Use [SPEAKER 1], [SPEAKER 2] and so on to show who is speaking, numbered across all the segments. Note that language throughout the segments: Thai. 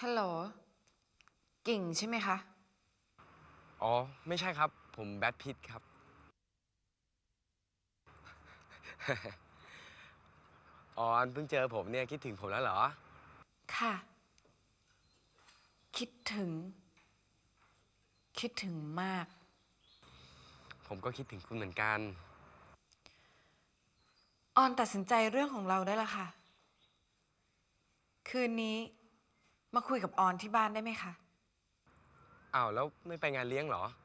[SPEAKER 1] ฮัลโหลกิ่งใช่ไหมคะ
[SPEAKER 2] อ๋อไม่ใช่ครับผมแบทพิทครับ ออนเพิ่งเจอผมเนี่ยคิดถึงผมแล้วเหรอ
[SPEAKER 1] ค่ะคิดถึง คิดถึงมาก
[SPEAKER 2] ผมก็คิดถึงคุณเหมือนกัน
[SPEAKER 1] ออนตัดสินใจเรื่องของเราได้แล้วค่ะ คืนนี้มาคุยกับออนที่บ้านได้ไหมคะ
[SPEAKER 2] อ้าวแล้วไม่ไปงานเลี้ยงเหรอ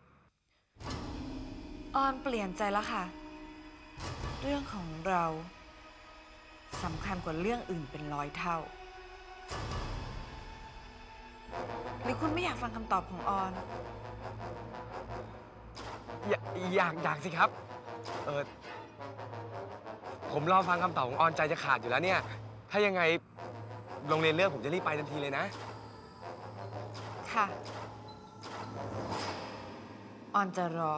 [SPEAKER 1] ออนเปลี่ยนใจแล้วค่ะ เรื่องของเราสำคัญกว่าเรื่องอื่นเป็นร้อยเท่า หรือคุณไม่อยากฟังคำตอบของออน
[SPEAKER 2] อยากสิครับผมรอฟังคำตอบของออนใจจะขาดอยู่แล้วเนี่ยถ้ายังไงโรงเรียนเลิกผมจะรีบไปทันทีเลยนะ
[SPEAKER 1] ค่ะ ออนจะรอ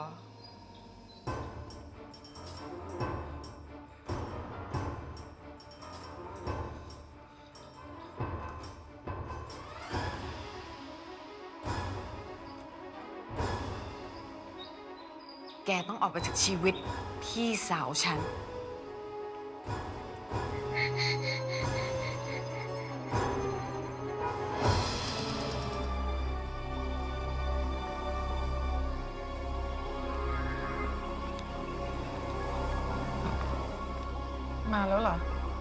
[SPEAKER 1] แกต้องออกไปจากชีวิตพี่สาวฉัน
[SPEAKER 3] มาแล้วเหรอ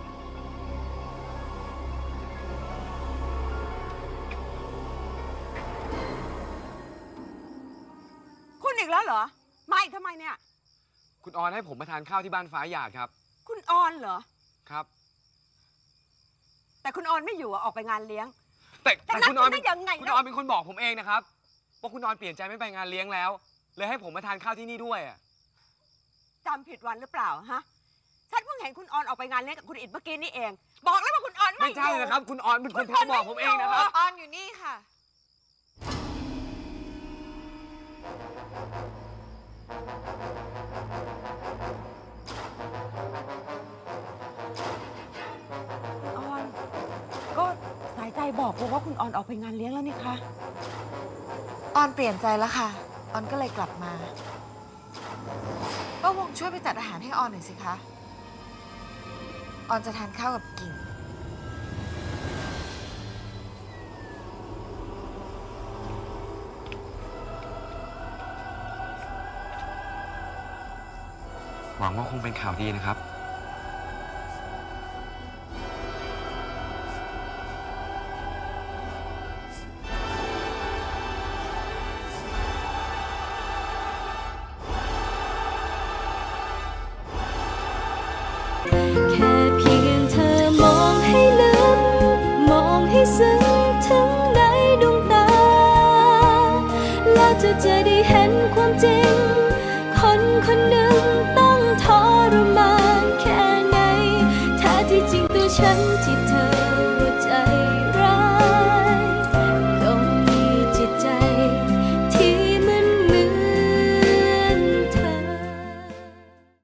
[SPEAKER 4] คุณอีกแล้วเหรอ มาอีกทำไมเนี่ย
[SPEAKER 2] คุณออนให้ผมมาทานข้าวที่บ้านฟ้าหยาดครับ
[SPEAKER 4] คุณออนเหรอ
[SPEAKER 2] ครับ
[SPEAKER 4] แต่คุณออนไม่อยู่อะออกไปงานเลี้ยง
[SPEAKER 2] แต่คุณออน
[SPEAKER 4] ได้ยังไง
[SPEAKER 2] คุณออนเป็นคนบอกผมเองนะครับว่าคุณออนเปลี่ยนใจไม่ไปงานเลี้ยงแล้วเลยให้ผมมาทานข้าวที่นี่ด้วยอะ
[SPEAKER 4] จำผิดวันหรือเปล่าฮะ ฉันเพิ่งเห็นคุณออนออกไปงานเลี้ยงกับคุณอิดเมื่อกี้นี่เอง บอกแล้วว่าคุณออนไม่
[SPEAKER 2] ไม่ใช่
[SPEAKER 4] อยู่
[SPEAKER 2] นะครับ คุณออนเป็นคนโทรบอกผมเองนะครับ
[SPEAKER 1] ออนอยู่นี่ค่ะ
[SPEAKER 4] คุณออน ก็สายใจบอกผมว่าคุณออนออกไปงานเลี้ยงแล้วนี่คะ
[SPEAKER 1] ออนเปลี่ยนใจแล้วค่ะ ออนก็เลยกลับมาป้าวงช่วยไปจัดอาหารให้ออนหน่อยสิคะ ออนจะทานข้าวกับกิ่ง
[SPEAKER 2] หวังว่าคงเป็นข่าวดีนะครับ
[SPEAKER 5] แค่เพียงเธอมองให้ลึกมองให้ซึ้งถึงในดวงตาแล้วจะได้เห็นความจริงคนคนหนึ่งต้องทรมานแค่ไหนแท้ที่จริงตัวฉันที่เธอ